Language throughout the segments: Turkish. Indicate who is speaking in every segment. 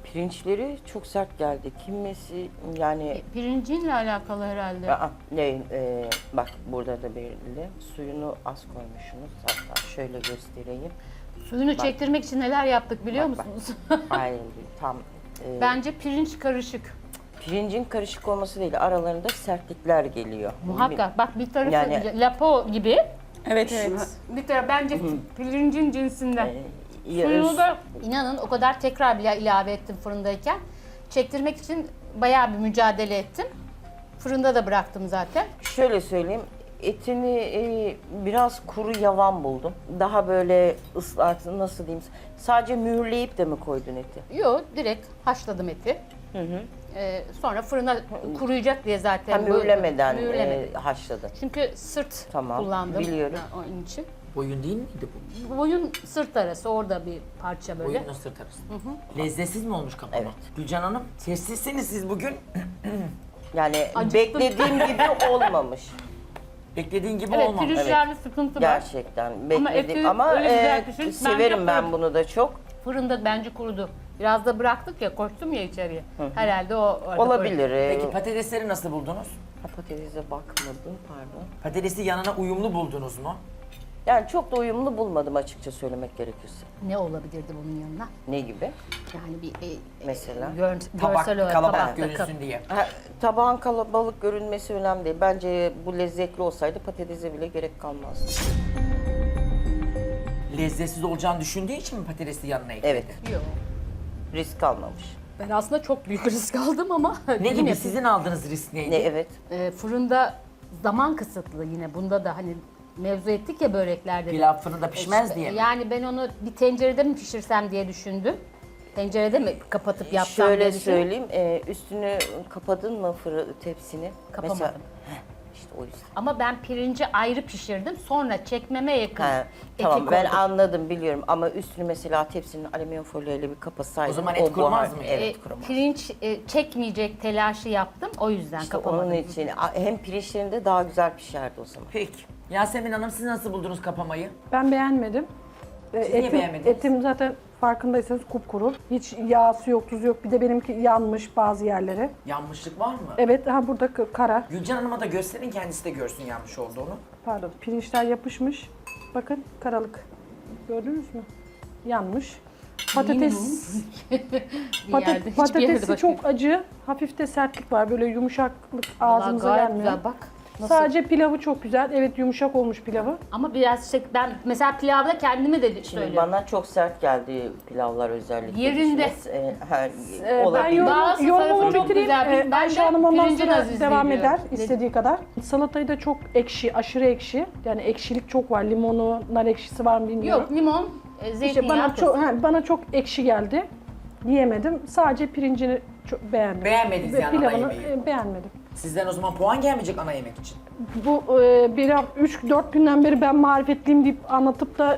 Speaker 1: Pirinçleri çok sert geldi. Kimisi yani
Speaker 2: Pirincinle alakalı herhalde.
Speaker 1: bak burada da belirli. Suyunu az koymuşsunuz. Hatta şöyle göstereyim.
Speaker 2: Suyunu çektirmek için neler yaptık biliyor
Speaker 1: Bak, bak.
Speaker 2: musunuz?
Speaker 1: Aynen tam
Speaker 2: Bence pirinç karışık.
Speaker 1: pirincin karışık olması değil, aralarında sertlikler geliyor.
Speaker 2: Muhakkak. Bak bir tarafı
Speaker 1: Yani-
Speaker 2: lapo gibi.
Speaker 3: Evet evet.
Speaker 2: Bir tarafı bence pirincin cinsinden.
Speaker 1: Ya,
Speaker 2: Suyunu da inanın o kadar tekrar bile ilave ettim fırındayken. Çektirmek için bayağı bir mücadele ettim. Fırında da bıraktım zaten.
Speaker 1: şöyle söyleyeyim, etini biraz kuru yavan buldum. Daha böyle ıslak, nasıl diyeyim, sadece mühürleyip de mi koydun eti?
Speaker 2: Yo, direkt haşladım eti. Sonra fırına kuruyacak diye zaten.
Speaker 1: Ha, mühürlemeden
Speaker 2: Mühürlemedim.
Speaker 1: haşladın.
Speaker 2: Çünkü sırt
Speaker 1: Tamam,
Speaker 2: kullandım.
Speaker 1: biliyorum.
Speaker 2: Ha, onun için.
Speaker 4: Boyun değil miydi bu?
Speaker 2: Boyun sırt arası orada bir parça böyle.
Speaker 4: Boyunla sırt arası. Lezzetsiz mi olmuş kapama?
Speaker 1: Evet.
Speaker 4: Gülcan Hanım, sessizsiniz siz bugün.
Speaker 1: Yani
Speaker 2: Acıktım.
Speaker 1: beklediğim gibi olmamış.
Speaker 4: Beklediğin gibi
Speaker 2: Evet,
Speaker 4: olmamış.
Speaker 2: pirinçlerde sıkıntı var.
Speaker 1: Gerçekten bekledim
Speaker 2: eti
Speaker 1: ama
Speaker 2: öyle güzel pişirmiş. Bence
Speaker 1: severim ben
Speaker 2: fırın-
Speaker 1: bunu da çok.
Speaker 2: Fırında bence kurudu. Biraz da bıraktık ya, koştum ya içeriye. Herhalde o orada
Speaker 1: Olabilir.
Speaker 4: Peki patatesleri nasıl buldunuz?
Speaker 1: Patatese bakmadım, pardon.
Speaker 4: Patatesi yanına uyumlu buldunuz mu?
Speaker 1: Yani çok da uyumlu bulmadım açıkça söylemek gerekirse.
Speaker 2: Ne olabilirdi bunun yanına?
Speaker 1: Ne gibi?
Speaker 2: Yani bir
Speaker 1: Mesela?
Speaker 4: Tabak
Speaker 2: görsel olarak
Speaker 4: kalabalık
Speaker 2: tabakta
Speaker 4: görünsün diye.
Speaker 1: Tabağın kalabalık görünmesi önemli değil. Bence bu lezzetli olsaydı patatese bile gerek kalmazdı.
Speaker 4: Lezzetsiz olacağını düşündüğü için mi patatesi yanına ekledi?
Speaker 1: Evet,
Speaker 2: Yok.
Speaker 1: risk almamış.
Speaker 2: Ben aslında çok büyük risk aldım ama
Speaker 4: Ne
Speaker 2: yine
Speaker 4: gibi sizin aldığınız risk neydi?
Speaker 1: Ne evet.
Speaker 2: fırında zaman kısıtlı yine. Bunda da hani mevzu ettik ya böreklerde. de.
Speaker 4: Pilav fırında pişmez
Speaker 2: İşte,
Speaker 4: diye mi?
Speaker 2: Yani ben onu bir tencerede mi pişirsem diye düşündüm. Tencerede mi kapatıp yapsam
Speaker 1: Şöyle
Speaker 2: diye düşündüm.
Speaker 1: söyleyeyim, üstünü kapadın mı tepsini?
Speaker 2: Kapamadım.
Speaker 1: Mesela, işte o yüzden.
Speaker 2: Ama ben pirinci ayrı pişirdim. Sonra çekmeme yakın
Speaker 1: Ha,
Speaker 2: eti
Speaker 1: tamam ben
Speaker 2: koydum.
Speaker 1: anladım, biliyorum ama üstünü mesela tepsinin alüminyum folyo ile bir kapatsaydın.
Speaker 4: O zaman et kurumaz mı?
Speaker 1: Evet, kurumaz.
Speaker 2: Pirinç çekmeyecek telaşı yaptım. O yüzden
Speaker 1: İşte
Speaker 2: kapamadım.
Speaker 1: onun için hem pirinçlerinde daha güzel pişerdi o zaman.
Speaker 4: Peki. Yasemin Hanım siz nasıl buldunuz kapamayı?
Speaker 5: Ben beğenmedim.
Speaker 4: niye beğenmediniz?
Speaker 5: Etim zaten farkındaysanız kupkuru. Hiç yağsı yok, tuzu yok. Bir de benimki yanmış bazı yerleri.
Speaker 4: Yanmışlık var mı?
Speaker 5: Evet, burada kara.
Speaker 4: Gülcan Hanım'a da gösterin, kendisi de görsün yanmış olduğunu.
Speaker 5: Pardon, pirinçler yapışmış. Bakın karalık. Gördünüz mü? Yanmış. Patates,
Speaker 2: Bir yerde, hiçbir yerde
Speaker 5: patatesi
Speaker 2: bakıyorum.
Speaker 5: çok acı. Hafif de sertlik var. Böyle yumuşaklık
Speaker 2: Vallahi
Speaker 5: ağzımıza
Speaker 2: gayet
Speaker 5: gelmiyor.
Speaker 2: güzel bak. Nasıl?
Speaker 5: Sadece pilavı çok güzel. Evet, yumuşak olmuş pilavı.
Speaker 2: Ama biraz ben mesela pilavda kendimi de
Speaker 1: Şimdi
Speaker 2: söylüyorum.
Speaker 1: bana çok sert geldi pilavlar özellikle.
Speaker 2: Yerinde.
Speaker 1: pişmesi.
Speaker 5: Ben
Speaker 1: Olabilir.
Speaker 2: Bazı
Speaker 5: yorumumu
Speaker 2: tarafı çok
Speaker 5: bitireyim.
Speaker 2: güzel. Ben
Speaker 5: Ayşe
Speaker 2: de
Speaker 5: Hanım ondan
Speaker 2: pirincin
Speaker 5: sonra
Speaker 2: azizliği
Speaker 5: devam
Speaker 2: diyorum.
Speaker 5: eder istediği kadar. Salatayı da çok ekşi, aşırı ekşi. Yani ekşilik çok var. Limonu, nar ekşisi var mı bilmiyorum.
Speaker 2: Yok limon,
Speaker 5: İşte
Speaker 2: zeytinyağı.
Speaker 5: bana çok ekşi geldi. Yiyemedim. Sadece pirincini çok beğendim.
Speaker 4: Beğenmediniz yani ana
Speaker 5: Pilavını
Speaker 4: yemeği.
Speaker 5: beğenmedim.
Speaker 4: Sizden o zaman puan gelmeyecek ana yemek için.
Speaker 5: Bu 3-4 günden beri ben marifetliyim deyip anlatıp da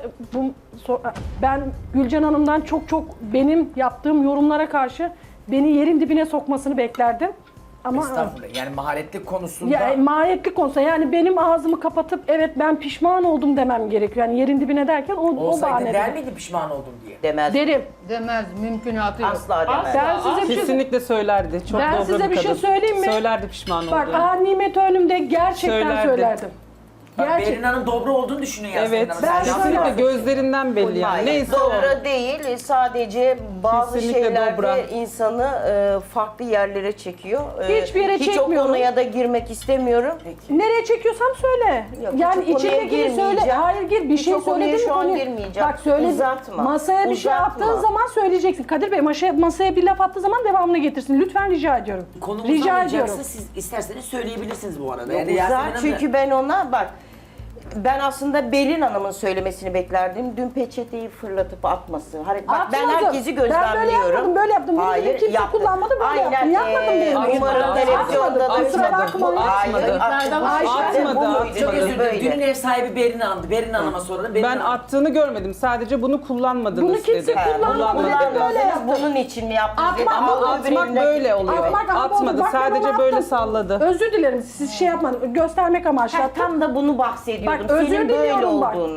Speaker 5: ben Gülcan Hanım'dan çok benim yaptığım yorumlara karşı beni yerin dibine sokmasını beklerdim. Ama
Speaker 4: Estağfurullah. Yani maharetlik konusunda
Speaker 5: ya mahiyetlik konusunda yani benim ağzımı kapatıp evet ben pişman oldum demem gerekiyor. Yani yerin dibine derken o
Speaker 4: olsaydı
Speaker 5: bahanede.
Speaker 4: der miydi pişman oldum diye?
Speaker 1: Demez.
Speaker 5: Derim.
Speaker 2: Demez, mümkünatı yok.
Speaker 1: Asla demez.
Speaker 5: Ben size bir şey
Speaker 3: Kesinlikle söylerdi. Çok
Speaker 5: Ben
Speaker 3: dobra
Speaker 5: size bir şey
Speaker 3: kadın.
Speaker 5: söyleyeyim mi?
Speaker 3: Söylerdi pişman
Speaker 5: Bak
Speaker 3: olduğunu.
Speaker 5: nimet önümde gerçekten
Speaker 3: Söylerdi.
Speaker 5: söylerdim.
Speaker 4: Bak
Speaker 5: Gerçek-
Speaker 4: Berin Hanım dobra olduğunu düşünüyor Yasemin
Speaker 3: Evet.
Speaker 4: Hanım.
Speaker 5: Ben
Speaker 4: Sen
Speaker 5: şöyle-
Speaker 4: yapma.
Speaker 3: Kesinlikle gözlerinden belli yani.
Speaker 1: Hayır,
Speaker 3: Neyse o.
Speaker 1: dobra değil, sadece bazı
Speaker 3: Kesinlikle
Speaker 1: şeylerde
Speaker 3: dobra.
Speaker 1: insanı farklı yerlere çekiyor.
Speaker 5: Hiçbir yere
Speaker 1: Hiç o
Speaker 5: çekmiyorum.
Speaker 1: konuya da girmek istemiyorum.
Speaker 5: Nereye çekiyorsam söyle.
Speaker 1: Yok,
Speaker 5: Yani
Speaker 1: hiç o konuya
Speaker 5: içindekini söyle.
Speaker 1: girmeyeceğim.
Speaker 5: Hayır gir bir
Speaker 1: Hiç
Speaker 5: şey
Speaker 1: o konuya
Speaker 5: söyledin mi
Speaker 1: şu an
Speaker 5: konuyu?
Speaker 1: girmeyeceğim.
Speaker 5: Bak söyle.
Speaker 1: Uzatma.
Speaker 5: Masaya bir şey
Speaker 1: Uzatma.
Speaker 5: attığı zaman söyleyeceksin. Kadir Bey masaya bir laf attığı zaman devamını getirsin. Lütfen rica ediyorum.
Speaker 4: Konumuz
Speaker 5: Rica
Speaker 4: alınacaksa
Speaker 5: ediyorum.
Speaker 4: siz isterseniz söyleyebilirsiniz bu arada.
Speaker 1: Uzar,
Speaker 4: Yasemin Hanım da-
Speaker 1: çünkü ben ona bak, ben aslında Belin Hanım'ın söylemesini beklerdim. Dün peçeteyi fırlatıp atması. Bak ben
Speaker 5: Atmadım.
Speaker 1: herkesi
Speaker 5: Ben böyle
Speaker 1: gözlemliyorum.
Speaker 5: yapmadım, böyle yaptım. Bunu dedim, kimse kullanmadı, böyle yaptım. Yapmadım benim.
Speaker 1: Umarım
Speaker 3: Atmadı,
Speaker 1: televizyonda da
Speaker 5: atmadı. Kusura bakmayın.
Speaker 1: Hayır,
Speaker 2: Atmadı.
Speaker 3: Atmadı,
Speaker 4: Çok özür dilerim.
Speaker 1: Böyle.
Speaker 4: Dünün ev sahibi Berin Hanım'dı. Berin Hanım'a soralım. Berin
Speaker 3: Ben
Speaker 4: Hanım-
Speaker 3: attığını görmedim. Sadece bunu kullanmadınız
Speaker 5: Bunu kimse
Speaker 3: dedi.
Speaker 5: kullanmadı dedi, böyle
Speaker 1: Kullanmadınız,
Speaker 5: yaptı.
Speaker 1: bunun için mi yaptınız?
Speaker 5: Atmak-
Speaker 1: dedi.
Speaker 5: ama
Speaker 1: Ama
Speaker 3: Atmak
Speaker 1: öbüründen-
Speaker 3: böyle oluyor.
Speaker 5: Atmak, ama
Speaker 3: Atmadı.
Speaker 5: bak ben
Speaker 3: Sadece
Speaker 5: onu
Speaker 3: böyle
Speaker 5: attım.
Speaker 3: salladı.
Speaker 5: Özür dilerim siz şey yapmadınız. Göstermek amaçlı
Speaker 1: Ha,
Speaker 5: attım.
Speaker 1: tam da bunu bahsediyordum.
Speaker 5: Bak, özür
Speaker 1: Senin böyle
Speaker 5: diliyorum bak.
Speaker 1: olduğunu.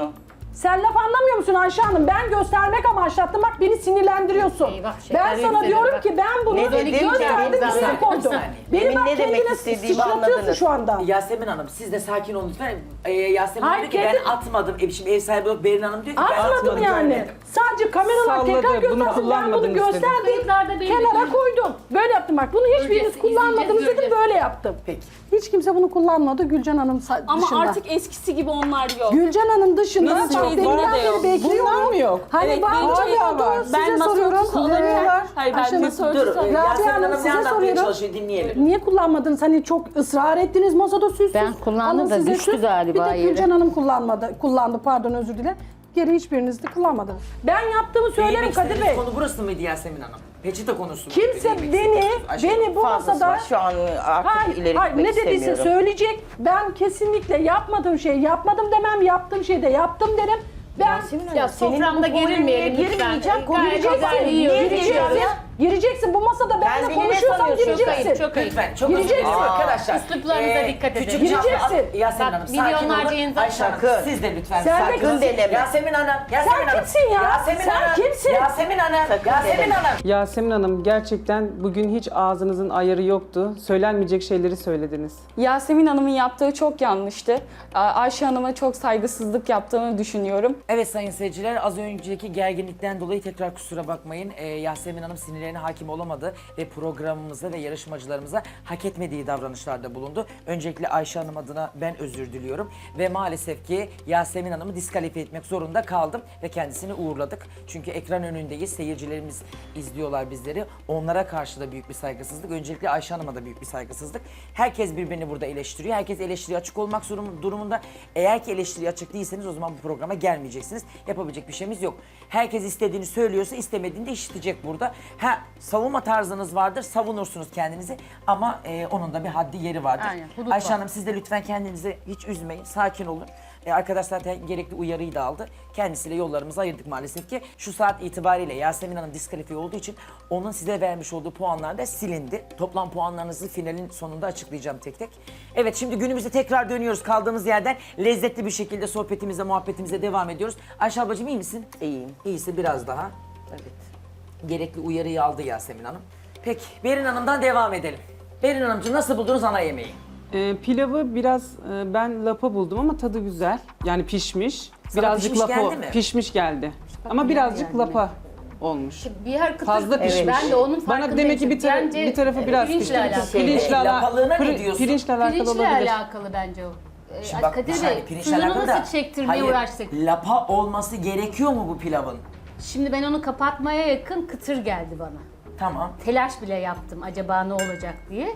Speaker 5: Sen laf anlamıyor musun Ayşe Hanım? Ben göstermek amaçlattım. Bak beni sinirlendiriyorsun.
Speaker 2: Eyvah, şeker
Speaker 5: Ben sana
Speaker 2: yükselir
Speaker 5: diyorum
Speaker 2: bak.
Speaker 5: ki ben bunu
Speaker 1: Ne dedim
Speaker 5: gösterdim,
Speaker 1: ki?
Speaker 5: üstüne koydum. Beni
Speaker 1: Demin
Speaker 5: bak
Speaker 1: ne demek
Speaker 5: kendine
Speaker 1: istediğimi
Speaker 5: sıçratıyorsun
Speaker 1: anladınız.
Speaker 5: şu anda.
Speaker 4: Yasemin Hanım siz de sakin olun lütfen. Yasemin
Speaker 5: Hayır,
Speaker 4: Hanım diyor ki
Speaker 5: kendi-
Speaker 4: ben atmadım. Şimdi ev sahibi olarak Berin Hanım diyor ki ben
Speaker 5: Atmadım
Speaker 4: atmadım
Speaker 5: yani.
Speaker 4: görmedim.
Speaker 5: Sadece kameralar
Speaker 3: Salladı,
Speaker 5: tekrar
Speaker 3: bunu
Speaker 5: göstersin. Ben bunu
Speaker 3: kullanmadınız
Speaker 5: gösterdim.
Speaker 2: Kayıtlarda belli
Speaker 5: Kenara
Speaker 2: değil.
Speaker 5: koydum. Böyle yaptım bak. Bunu hiçbiriniz
Speaker 2: Göreceğiz,
Speaker 5: kullanmadınız
Speaker 2: izleyeceğiz,
Speaker 5: dedim.
Speaker 2: göreceğiz.
Speaker 5: Böyle yaptım.
Speaker 4: Peki.
Speaker 5: Hiç kimse bunu kullanmadı Gülcan Hanım
Speaker 6: Ama
Speaker 5: dışında.
Speaker 6: artık eskisi gibi onlar yok.
Speaker 5: Gülcan Hanım dışında
Speaker 3: Nasıl
Speaker 5: bak
Speaker 3: yok?
Speaker 5: deminden
Speaker 6: Var da
Speaker 5: beri
Speaker 6: yok.
Speaker 5: bekliyorum.
Speaker 3: Bunlar mı yok?
Speaker 5: Hani
Speaker 6: Evet,
Speaker 5: var
Speaker 6: benim
Speaker 5: mı
Speaker 6: şeyim
Speaker 5: oldu?
Speaker 6: var.
Speaker 5: Size
Speaker 6: Ben masa
Speaker 5: soruyorum.
Speaker 6: örtüsü olarak- Hayır, ben
Speaker 5: Ayşe
Speaker 6: masa
Speaker 5: Hanım,
Speaker 6: örtüsü
Speaker 4: Dur
Speaker 6: olarak-
Speaker 4: Yasemin
Speaker 5: Hanım,
Speaker 4: Hanım
Speaker 5: size
Speaker 4: ne anlatmaya
Speaker 5: soruyorum.
Speaker 4: çalışıyor dinleyelim.
Speaker 5: Niye kullanmadınız? Hani çok ısrar ettiniz masada süssüz.
Speaker 2: Ben kullandım
Speaker 5: Alın
Speaker 2: da
Speaker 5: size
Speaker 2: düştü
Speaker 5: süs.
Speaker 2: galiba
Speaker 5: Bir de
Speaker 2: yere.
Speaker 5: Gülcan Hanım kullandı pardon özür dilerim. Geri hiçbiriniz de kullanmadınız. Ben yaptığımı söylerim
Speaker 4: Değinmek
Speaker 5: Kadir
Speaker 4: istediğiniz
Speaker 5: Bey.
Speaker 4: konu burası mıydı Yasemin Hanım? Peçete konusu mu?
Speaker 5: Kimse
Speaker 4: Değinmek
Speaker 5: beni
Speaker 4: istediğiniz Ayşe Hanım.
Speaker 5: bu
Speaker 1: Fazlası
Speaker 5: masada
Speaker 1: var. Şu an artık ileri
Speaker 5: hayır,
Speaker 1: gitmek
Speaker 5: ne dediyse
Speaker 1: istemiyorum.
Speaker 5: söyleyecek. Ben kesinlikle yapmadığım şeyi yapmadım demem, yaptığım şeyi de yaptım derim. Ben
Speaker 1: Yasemin Hanım,
Speaker 2: Ya
Speaker 1: senin
Speaker 2: soframda
Speaker 1: bu konuya
Speaker 2: gerilmeyelim lütfen.
Speaker 1: girmeyeceğim.
Speaker 2: Gayet
Speaker 1: Gireceksin.
Speaker 2: güzel yiyor,
Speaker 1: Niye
Speaker 2: gireceksin.
Speaker 1: gireceksin?
Speaker 5: gireceksin bu masada benimle
Speaker 1: Kendini ne
Speaker 5: konuşuyorsan
Speaker 1: sanıyorsun?
Speaker 2: Çok
Speaker 5: gireceksin.
Speaker 2: ayıp, çok ayıp.
Speaker 4: Lütfen çok özür
Speaker 5: Gireceksin.
Speaker 4: dilerim arkadaşlar.
Speaker 2: Üsluplarınıza dikkat edin.
Speaker 4: Küçük
Speaker 5: Gireceksin.
Speaker 4: çaplı- Yasemin
Speaker 2: Bak,
Speaker 4: Hanım sakin
Speaker 2: milyonlarca
Speaker 4: olun.
Speaker 2: insan
Speaker 4: Ayşe Hanım
Speaker 1: sakın.
Speaker 4: siz de lütfen
Speaker 5: Sen de
Speaker 4: sakin olun.
Speaker 1: deneme.
Speaker 4: Yasemin Hanım. Yasemin Hanım.
Speaker 5: kimsin ya?
Speaker 4: Yasemin
Speaker 5: Sen
Speaker 4: Hanım.
Speaker 5: kimsin?
Speaker 4: Yasemin Hanım.
Speaker 1: Sakın
Speaker 4: Yasemin
Speaker 1: deneme.
Speaker 4: Hanım.
Speaker 3: Yasemin Hanım gerçekten bugün hiç ağzınızın ayarı yoktu. Söylenmeyecek şeyleri söylediniz.
Speaker 6: Yasemin Hanım'ın yaptığı çok yanlıştı. Ayşe Hanım'a çok saygısızlık yaptığını düşünüyorum.
Speaker 4: Evet sayın seyirciler az önceki gerginlikten dolayı tekrar kusura bakmayın. Yasemin Hanım sinirlerine hakim olamadı ve programımıza ve yarışmacılarımıza hak etmediği davranışlarda bulundu. Öncelikle Ayşe Hanım adına ben özür diliyorum ve maalesef ki Yasemin Hanım'ı diskalifiye etmek zorunda kaldım ve kendisini uğurladık. Çünkü ekran önündeyiz, seyircilerimiz izliyorlar bizleri. Onlara karşı da büyük bir saygısızlık. Öncelikle Ayşe Hanım'a da büyük bir saygısızlık. Herkes birbirini burada eleştiriyor. Herkes eleştiriye açık olmak durumunda. Eğer ki eleştiriye açık değilseniz o zaman bu programa gelmeyeceksiniz. Yapabilecek bir şeyimiz yok. Herkes istediğini söylüyorsa istemediğini de işitecek burada. Savunma tarzınız vardır, savunursunuz kendinizi ama onun da bir haddi yeri vardır.
Speaker 2: Aynen, hudut
Speaker 4: Ayşe
Speaker 2: var.
Speaker 4: Hanım siz de lütfen kendinizi hiç üzmeyin, sakin olun. Arkadaşlar zaten gerekli uyarıyı da aldı. Kendisiyle yollarımızı ayırdık maalesef ki. Şu saat itibariyle Yasemin Hanım diskalifiye olduğu için onun size vermiş olduğu puanlar da silindi. Toplam puanlarınızı finalin sonunda açıklayacağım tek tek. Evet şimdi günümüze tekrar dönüyoruz kaldığımız yerden. Lezzetli bir şekilde sohbetimize, muhabbetimize devam ediyoruz. Ayşe ablacığım iyi misin?
Speaker 1: İyiyim.
Speaker 4: İyisi biraz daha.
Speaker 1: Evet.
Speaker 4: Gerekli uyarıyı aldı Yasemin Hanım. Peki Berin Hanım'dan devam edelim. Berin Hanımcığım nasıl buldunuz ana yemeği?
Speaker 3: Pilavı biraz ben lapa buldum ama tadı güzel. Yani pişmiş. Birazcık
Speaker 4: pişmiş
Speaker 3: lapa
Speaker 4: geldi mi?
Speaker 3: pişmiş geldi. Ama birazcık lapa olmuş.
Speaker 2: Bir yer kıtır
Speaker 3: Fazla
Speaker 2: kıtır.
Speaker 3: pişmiş.
Speaker 2: Ben de onun farkındayım.
Speaker 3: Bana demek ki
Speaker 2: Bence,
Speaker 3: bir tarafı biraz
Speaker 2: pirinçle
Speaker 3: pişti.
Speaker 2: alakalı.
Speaker 4: lapalığına ne diyorsun?
Speaker 3: Pirinçle alakalı
Speaker 2: Pirinçle
Speaker 3: olabilir.
Speaker 2: alakalı bence o.
Speaker 4: Şimdi bak, bir
Speaker 2: Kadir
Speaker 4: saniye,
Speaker 2: Bey,
Speaker 4: pirinçle
Speaker 2: suyunu
Speaker 4: alakalı da-
Speaker 2: nasıl çektirmeye
Speaker 4: Hayır,
Speaker 2: uğraştık?
Speaker 4: lapa olması gerekiyor mu bu pilavın?
Speaker 2: Şimdi ben onu kapatmaya yakın kıtır geldi bana.
Speaker 4: Tamam.
Speaker 2: Telaş bile yaptım acaba ne olacak diye.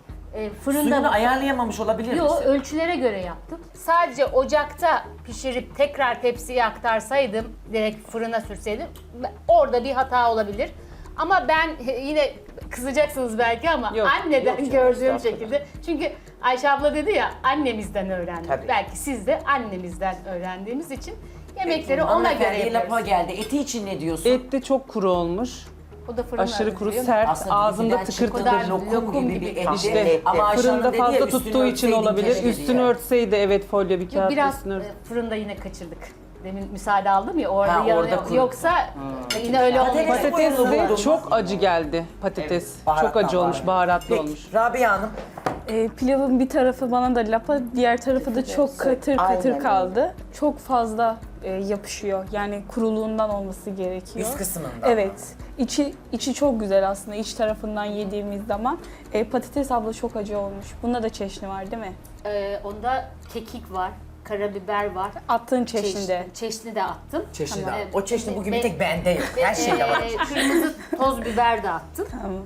Speaker 4: Suyunu
Speaker 2: Fırında...
Speaker 4: ayarlayamamış olabilir
Speaker 2: Yo,
Speaker 4: misin?
Speaker 2: ölçülere göre yaptım. Sadece ocakta pişirip tekrar tepsiye aktarsaydım, direkt fırına sürseydim, orada bir hata olabilir. Ama ben yine kızacaksınız belki ama
Speaker 3: Yok,
Speaker 2: anneden
Speaker 1: yok canım,
Speaker 2: gördüğüm
Speaker 1: estağfurullah.
Speaker 2: şekilde. Çünkü Ayşe abla dedi ya annemizden öğrendik.
Speaker 4: Tabii.
Speaker 2: Belki siz de annemizden öğrendiğimiz için yemekleri ona göre
Speaker 4: Hanımefendiye lapa
Speaker 2: yapıyoruz.
Speaker 4: geldi. Eti için ne diyorsun?
Speaker 3: Et de çok kuru olmuş.
Speaker 2: O da fırına
Speaker 3: Aşırı kuru,
Speaker 2: hazırlıyor.
Speaker 3: sert,
Speaker 4: Aslında
Speaker 3: ağzında
Speaker 4: bizden
Speaker 3: tıkır
Speaker 4: çıkan
Speaker 3: tıkır.
Speaker 4: lokum gibi bir et.
Speaker 3: İşte
Speaker 4: Ama Ayşe Hanım
Speaker 3: fırında
Speaker 4: dedi ya,
Speaker 3: fazla
Speaker 4: üstünü
Speaker 3: tuttuğu için
Speaker 4: örtseydin
Speaker 3: olabilir.
Speaker 4: keşke dedi
Speaker 3: Üstünü
Speaker 4: yani.
Speaker 3: örtseydi evet folyo bir
Speaker 2: Yok,
Speaker 3: kağıt
Speaker 2: biraz
Speaker 3: üstünü ört.
Speaker 2: fırında yine kaçırdık. Demin müsaade aldım ya orada,
Speaker 4: Ha, orada
Speaker 2: yanıyor.
Speaker 4: kuru.
Speaker 2: Yoksa yine öyle
Speaker 4: Patates
Speaker 2: olmayacak.
Speaker 3: Patates
Speaker 4: Koyalım
Speaker 3: de
Speaker 4: bunu.
Speaker 3: çok acı geldi patates.
Speaker 4: Evet,
Speaker 3: çok acı olmuş, baharatlı
Speaker 4: Peki,
Speaker 3: olmuş.
Speaker 4: Rabia Hanım.
Speaker 6: Pilavın bir tarafı bana da lapa, diğer tarafı da çok katır katır
Speaker 1: Aynen.
Speaker 6: kaldı. Çok fazla yapışıyor. Yani kuruluğundan olması gerekiyor.
Speaker 4: Üst kısmından.
Speaker 6: Evet. İçi çok güzel aslında iç tarafından yediğimiz zaman. Patates abla çok acı olmuş. Bunda da çeşni var değil mi?
Speaker 2: Onda kekik var, karabiber var.
Speaker 6: Attığın çeşnide.
Speaker 2: Çeşni de attım.
Speaker 4: Çeşni
Speaker 2: Tamam.
Speaker 4: de. O çeşni bugün bir
Speaker 2: Ve-
Speaker 4: tek bende yok. Her şeyde var.
Speaker 2: Kırmızı toz biber de attım.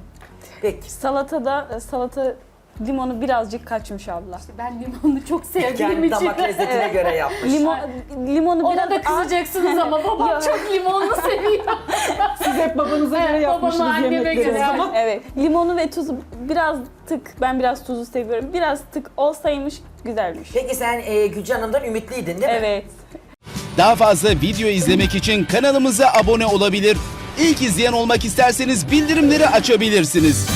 Speaker 4: Peki.
Speaker 6: Salata limonu birazcık kaçmış abla.
Speaker 2: Ben limonu çok sevdiğim
Speaker 4: Kendi
Speaker 2: için.
Speaker 4: damak lezzetine göre yapmış.
Speaker 6: Limonu
Speaker 2: Ona
Speaker 6: biraz
Speaker 2: da kızacaksınız ama babam çok limonlu seviyor.
Speaker 3: Siz hep babanıza göre
Speaker 2: Evet,
Speaker 3: yapmışsınız
Speaker 2: babama, anneme
Speaker 3: yemekleri.
Speaker 2: göre.
Speaker 3: Ama
Speaker 6: Evet. Limonu ve tuzu biraz ben biraz tuzu seviyorum. Biraz tık olsaymış güzelmiş.
Speaker 4: Peki sen Gülcan Hanım'dan ümitliydin değil mi?
Speaker 6: Evet.
Speaker 7: Daha fazla video izlemek için kanalımıza abone olabilir. İlk izleyen olmak isterseniz bildirimleri açabilirsiniz.